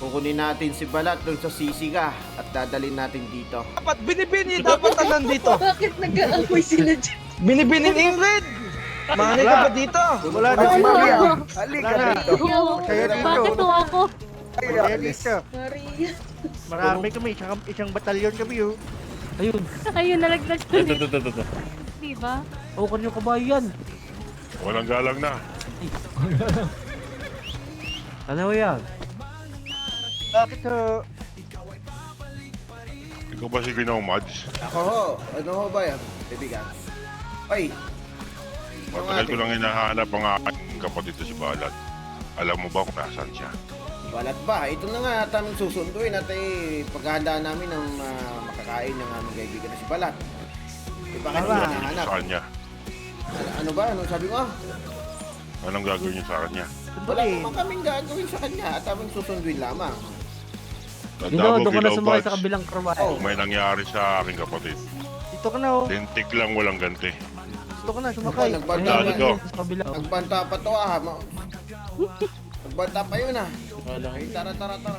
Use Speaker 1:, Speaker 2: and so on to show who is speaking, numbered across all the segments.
Speaker 1: Kukunin natin si Balat dun sa Sisiga at dadalhin natin dito.
Speaker 2: Dapat binibini, dapat nandito.
Speaker 3: Bakit nag-aapoy sila dyan?
Speaker 2: Binibini ni Ingrid. Mani ka ba dito?
Speaker 4: Wala na si Maria. Halika dito. Kaya dito.
Speaker 5: Bakit to ako?
Speaker 4: Kaya dito.
Speaker 3: Maria.
Speaker 4: Marami kami, isang batalyon kami oh.
Speaker 6: Ayun.
Speaker 5: Ayun, nalaglag ko ulit.
Speaker 6: Ito.
Speaker 5: Diba?
Speaker 6: O, kanyo kabayo yan.
Speaker 7: Walang galang na.
Speaker 6: Ano yan?
Speaker 4: Bakit ho?
Speaker 7: Ikaw ba si Ginaw Mads?
Speaker 1: Ako ho, ano ho ba yan? Bibigan. Ay,
Speaker 7: Matagal ko lang hinahanap ang aking kapatid na si Balat. Alam mo ba kung nasaan siya?
Speaker 1: Balat ba? Ito na nga at aming susunduin at paghahandaan namin ng makakain ng aming kaibigan na si Balat. Bakit
Speaker 4: Tama.
Speaker 1: mo hinahanap?
Speaker 7: Sa kanya.
Speaker 1: Ano ba? Anong sabi mo?
Speaker 7: Anong gagawin niyo sa kanya?
Speaker 1: Wala naman kaming gagawin sa kanya at aming susunduin lamang.
Speaker 7: Tanda mo,
Speaker 6: Doon ko na
Speaker 7: Ginaw
Speaker 6: sumakay
Speaker 7: Mads.
Speaker 6: sa kabilang karwahe.
Speaker 1: Oh.
Speaker 7: May nangyari sa aking kapatid.
Speaker 4: Dito ka na oh.
Speaker 7: Lintik lang walang ganti.
Speaker 4: Dito ka na,
Speaker 1: Ako,
Speaker 4: sumakay.
Speaker 1: nagbanta
Speaker 7: Tandaan
Speaker 1: pa.
Speaker 7: ito.
Speaker 6: Sa kabilang.
Speaker 1: Nagbanta pa to ah. Nagbanta pa yun ah. Ay, tara.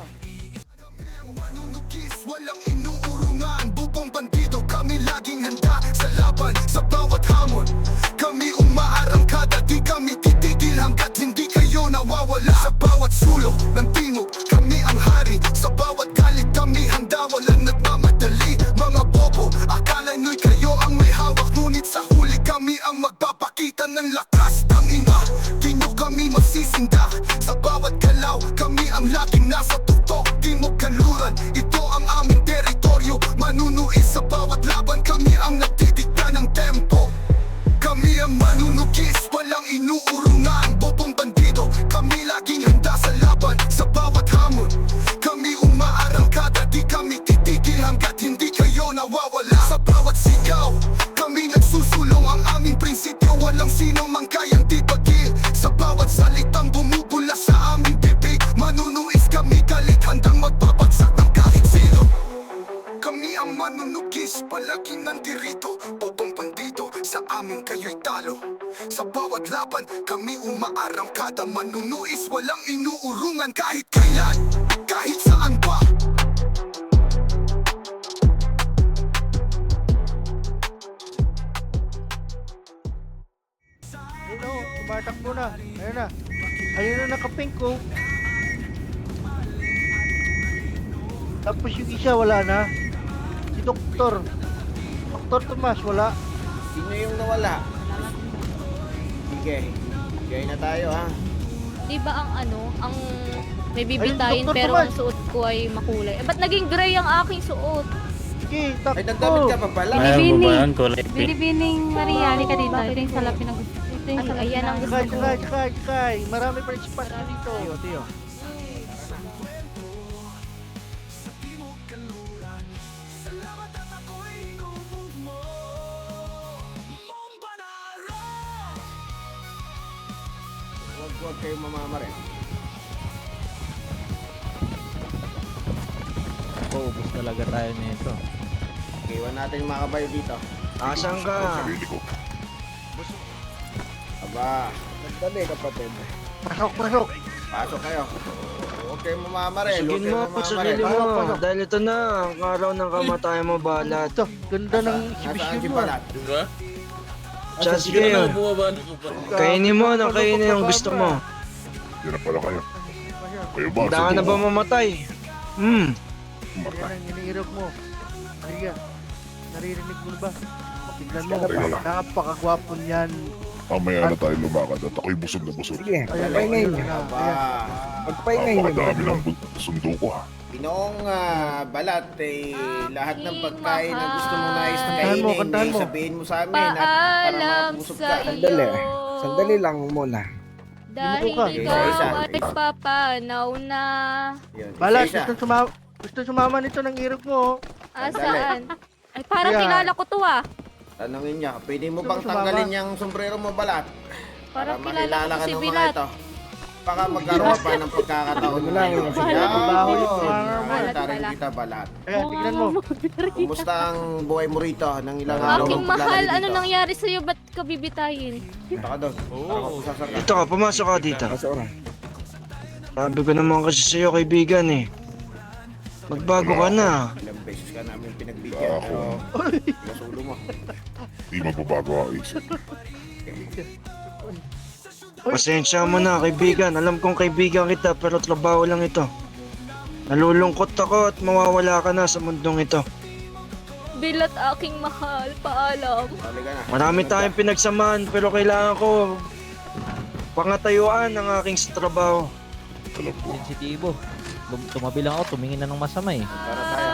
Speaker 8: Walang inuurungan, bubong bandido. Kami laging handa sa laban, sa bawat hamon. Kami umaarangkada, di kami titigil hanggat hindi kayo nawawala. Sa bawat sulok ng timog, kami ang hari. Sa bawat galit kami handa, walang nagmamadali. Mga bobo, akala nyo'y kayo ang may hawak, ngunit sa huli kami ang magpapakita ng lakas. Tangina, di nyo kami masisindak. Sa bawat galaw, kami ang laging nasa tuktok. Timog kanluran, ito ang aming teritoryo. Manunuis sa bawat laban, kami ang nagdidikta ng tempo. Kami ang manunugis, walang inuurungan. Bobong bandido, kami laging handa sa laban. Sa bawat hamon, kami umaarangkada. Di kami titigil hanggat hindi kayo nawawala. Sa bawat sigaw, kami nagsusulong. Ang aming prinsipyo, walang sino mang kayang tibagil. Sa bawat salitang bumubula sa aming bibig, manunuis kami galit, handang magbabagsak ng kahit sino. Kami ang manunugis, palagi nandirito. Bobong bandido, sa amin kayo'y talo. Sa bawat laban, kami umaarangkada. Manunuis, walang inuurungan kahit kailan, kahit saan pa.
Speaker 4: Ayun oh, tumatakbo na. Ayun na. Ayun na nakapink ko. Tapos yung isa wala na. Si Doktor. Doktor Tomas wala.
Speaker 1: Sino yung nawala? Sige. Bigay na tayo ha.
Speaker 5: Diba ang ang may bibitayin
Speaker 4: Ayun, Dr.
Speaker 5: pero
Speaker 4: Tomas.
Speaker 5: ang suot ko ay makulay. Ba't naging gray ang aking suot?
Speaker 4: Sige,
Speaker 1: Ay, nagdamit ka pa pala.
Speaker 5: Binibining.
Speaker 6: Kulay pink.
Speaker 5: Binibining Maria, halika dito. Ito yung salapin ng gusto. Ito yung salapin ayan ang gusto
Speaker 4: Sakay,
Speaker 5: ko.
Speaker 4: sakay. Marami pa rin spot dito.
Speaker 6: Tiyo.
Speaker 1: Huwag kayong mamamari.
Speaker 6: Paubos talaga tayo nito.
Speaker 1: Iwan natin yung mga kabayo dito.
Speaker 2: Asan ka?
Speaker 7: Sarili ko.
Speaker 1: Aba,
Speaker 4: Nagdali kapatid. Pasok.
Speaker 1: pasok kayo. Huwag kayong mamamari.
Speaker 2: Sugin
Speaker 1: Huwag
Speaker 2: mo
Speaker 1: kayong
Speaker 2: ako,
Speaker 1: mamamari.
Speaker 2: sarili mo. Dahil ito na, ang araw ng kamatayan mo, Balat.
Speaker 4: Ito, ganda ng
Speaker 1: Nasaan
Speaker 4: exhibition
Speaker 1: si
Speaker 4: mo.
Speaker 1: Balat?
Speaker 2: Siya, sige yun. Kainin mo na kainin yung gusto mo.
Speaker 7: Hindi na pala kayo. Kayo ba?
Speaker 2: Handa ka na ba mamatay?
Speaker 4: Yan ang iniirog mo. Maria, naririnig mo na ba? Tignan mo,
Speaker 7: Teka lang.
Speaker 4: napakagwapo niyan.
Speaker 7: Mamaya na tayo lumakad at ako'y busog na busog.
Speaker 4: Ayan, ayun na.
Speaker 1: Aba,
Speaker 7: Napakadami ng sundo ko ha.
Speaker 1: Pinoong Balat, lahat ng pagkain na gusto mo nais na
Speaker 4: Kantahan mo,
Speaker 1: kainin,
Speaker 4: kantahan mo.
Speaker 1: sabihin mo sa amin at para
Speaker 5: Paalam
Speaker 1: mapusog
Speaker 5: sa
Speaker 1: ka.
Speaker 5: iyo.
Speaker 9: Sandali lang muna.
Speaker 5: Dahil
Speaker 4: Limuko ka.
Speaker 5: ikaw
Speaker 1: Isa-isa.
Speaker 5: ay papanaw na.
Speaker 1: Yun,
Speaker 4: Balat,
Speaker 1: isa-isa.
Speaker 4: gusto sumama nito ng irog mo.
Speaker 5: Asaan? Ay, parang
Speaker 4: Kaya-
Speaker 5: kilala ko to ah.
Speaker 1: Tanungin niya, pwede mo
Speaker 4: Gusto
Speaker 1: bang
Speaker 4: mo sumama?
Speaker 1: tanggalin yung sombrero mo, Balat?
Speaker 5: Parang
Speaker 1: Para
Speaker 5: kilala
Speaker 1: makilala
Speaker 5: ko
Speaker 1: ka
Speaker 5: si
Speaker 1: ng mga
Speaker 5: Bilat.
Speaker 1: ito. Baka magkaroon pa ng pagkakataon na
Speaker 9: lang,
Speaker 1: ngayon.
Speaker 5: bahala ka.
Speaker 4: Baho yung mga
Speaker 5: Balat
Speaker 1: Tarin
Speaker 5: pala.
Speaker 1: kita, Balat.
Speaker 4: Ayan, tignan mo.
Speaker 1: Kumusta ang buhay mo rito ng ilang araw
Speaker 5: Aking
Speaker 1: mong
Speaker 5: mahal,
Speaker 1: paglalagay
Speaker 5: ano
Speaker 1: dito?
Speaker 5: nangyari sa'yo? Ba't ka bibitayin?
Speaker 1: Punta ka doon. Para mapusasar ka.
Speaker 2: Ito ka, pumasok ka dito.
Speaker 9: Pasok na.
Speaker 2: Sabi ko naman kasi sa'yo, kaibigan eh. Magbago ka na.
Speaker 1: Ilang beses ka namin pinagbigyan, pero kasulo mo.
Speaker 7: Di magbabago ang isip.
Speaker 2: Pasensya mo na, kaibigan. Alam kong kaibigan kita, pero trabaho lang ito. Nalulungkot ako at mawawala ka na sa mundong ito.
Speaker 3: Bilat aking mahal, paalam.
Speaker 1: Sali ka na.
Speaker 2: Marami tayong pinagsamahan, pero kailangan ko pangatayuan ang aking sa trabaho.
Speaker 7: Alam ko.
Speaker 6: Sensitibo. Tumabi lang ako, tumingin na ng masama eh.
Speaker 1: Para tayo.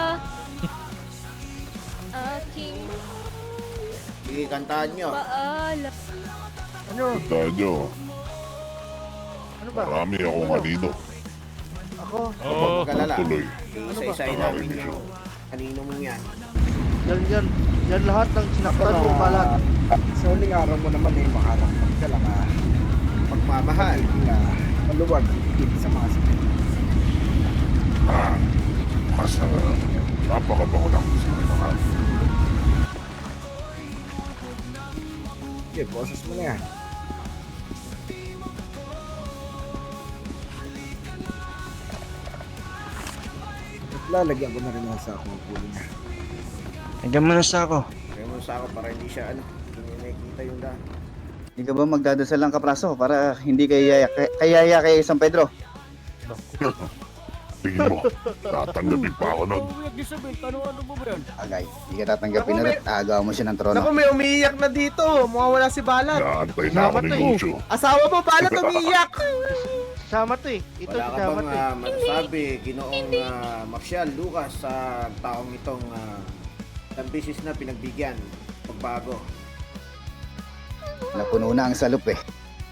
Speaker 3: Aking
Speaker 1: Sige, kantahan nyo.
Speaker 3: paalam.
Speaker 4: Ano?
Speaker 7: Tandaan nyo,
Speaker 4: Ano ba?
Speaker 7: marami akong halino.
Speaker 4: Ako?
Speaker 1: Kapag magkalala,
Speaker 7: Tuloy.
Speaker 1: isa-isahin namin yung kanino mo yan.
Speaker 4: Yan lahat ng sinaktan mo balat.
Speaker 9: Sa huling araw mo naman ay makarapag ka lang
Speaker 1: Pagmamahal.
Speaker 9: maluwag dito sa mga sakit.
Speaker 7: Mas napakabaho lang sa mga.
Speaker 9: Okay, boses mo na yan. At lalagyan ko na rin ang sa akong pulo niya.
Speaker 2: Hanggang mo na sa ako.
Speaker 1: Kaya mo sa ako para hindi siya hindi niya nakikita yung daan.
Speaker 10: Hindi ka ba magdadasal ng kapraso para hindi kayaya kay San Pedro?
Speaker 7: Tingin mo, tatanggapin pa ako nun.
Speaker 10: Agay, hindi ka tatanggapin na rin. Agaw mo siya ng trono.
Speaker 9: may umiiyak na dito. Mawawala si Balat.
Speaker 7: Naantay na ako ng negosyo.
Speaker 9: Asawa mo, Balat, umiiyak.
Speaker 4: Sama to eh. Ito
Speaker 1: Wala
Speaker 4: si
Speaker 1: ka
Speaker 4: Sama
Speaker 1: bang
Speaker 4: to eh.
Speaker 1: masasabi, Ginoong Marcial Lucas, sa taong itong ng business na pinagbigyan, pagbago?
Speaker 10: Napuno na ang salup eh.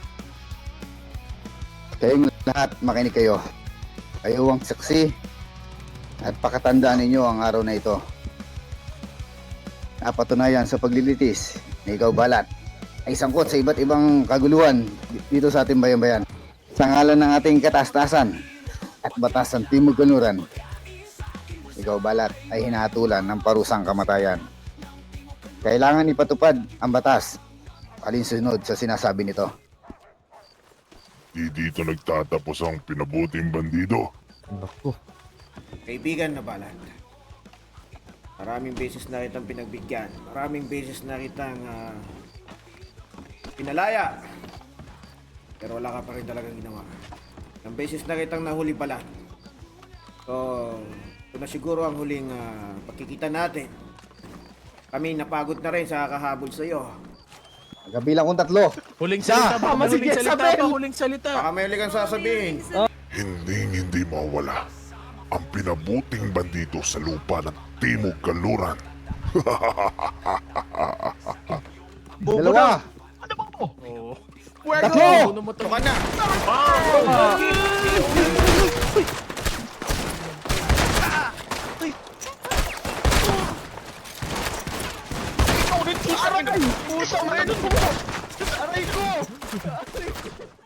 Speaker 10: Kayong lahat makinig kayo. Kayo ang saksi at pakatandaan ninyo ang araw na ito. Napatunayan sa paglilitis na ikaw balat ay sangkot sa iba't ibang kaguluhan dito sa ating bayan-bayan. Sa ngalan ng ating kataas-taasan at batasan Timog Kanluran, ikaw balat ay hinahatulan ng parusang kamatayan. Kailangan ipatupad ang batas alinsunod sa sinasabi nito.
Speaker 7: Di dito nagtatapos ang pinabuting bandido.
Speaker 6: Naku.
Speaker 1: Kaibigan na Balat, maraming beses na kitang pinagbigyan, maraming beses na kitang pinalaya, pero wala ka pa rin talagang ginawa. Ilang beses na kitang nahuli Balat. So, ito na siguro ang huling pagkikita natin. Kami napagod na rin sa kakahabol sa iyo.
Speaker 10: Kabilang kong tatlo.
Speaker 6: Huling salita ba? Huling salita ba? Huling salita.
Speaker 1: Baka may ulit kang sasabihin.
Speaker 7: Hindi mawala ang pinabuting bandido sa lupa ng Timog Kanluran.
Speaker 10: Dalawa.
Speaker 1: Tatlo! Ito ka na!
Speaker 9: Aray ko!